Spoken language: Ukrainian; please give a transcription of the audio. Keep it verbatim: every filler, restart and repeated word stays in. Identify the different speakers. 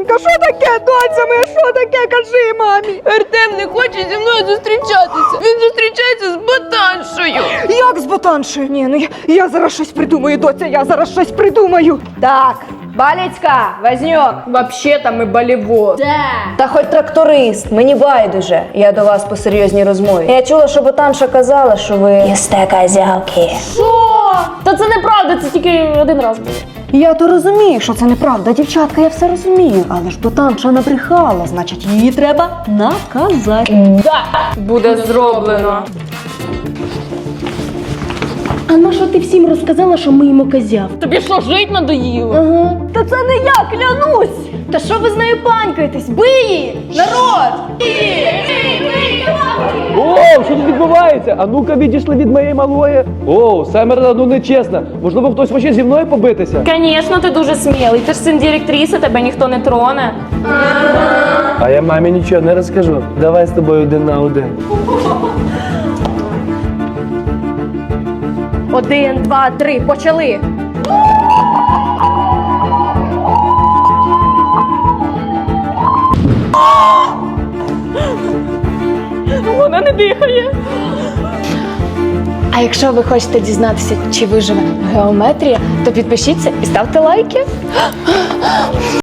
Speaker 1: Доченька, що таке, доця моя, що таке, кажи мамі.
Speaker 2: Артем не хоче зі мною зустрічатися. Він зустрічається з ботаншею.
Speaker 1: Як з ботаншею? Ні, ну я, я зараз щось придумаю, доця, я зараз щось придумаю.
Speaker 3: Так, Баліцька, Вознюк.
Speaker 2: Вообще-то ми болівоз.
Speaker 3: Та хоч тракторист, мені байдуже. Я до вас по серйозній розмові. Я чула, що ботанша казала, що ви їсте козявки.
Speaker 2: Та це неправда, це тільки один раз було.
Speaker 1: Я то розумію, що це неправда, дівчатка, я все розумію. Але ж ботанша набрехала, значить її треба наказати.
Speaker 2: Буде зроблено.
Speaker 4: А на що ти всім розказала, що ми їмо козяв?
Speaker 2: Тобі що, жить надоїло?
Speaker 4: Ага. Та це не я, клянусь! Та що ви з нею панькаєтесь? Бий її! Народ!
Speaker 5: Оу, що тут відбувається? А ну-ка відійшли від моєї малої. Оу, Семерна, ну нечесно. Можливо, хтось хоче зі мною побитися?
Speaker 2: Звісно, ти дуже смілий. Ти ж син директриси, тебе ніхто не троне.
Speaker 5: А я мамі нічого не розкажу. Давай з тобою один на один.
Speaker 4: Один, два, три, почали!
Speaker 2: Вона не дихає.
Speaker 4: А якщо ви хочете дізнатися, чи виживе геометрія, то підпишіться і ставте лайки.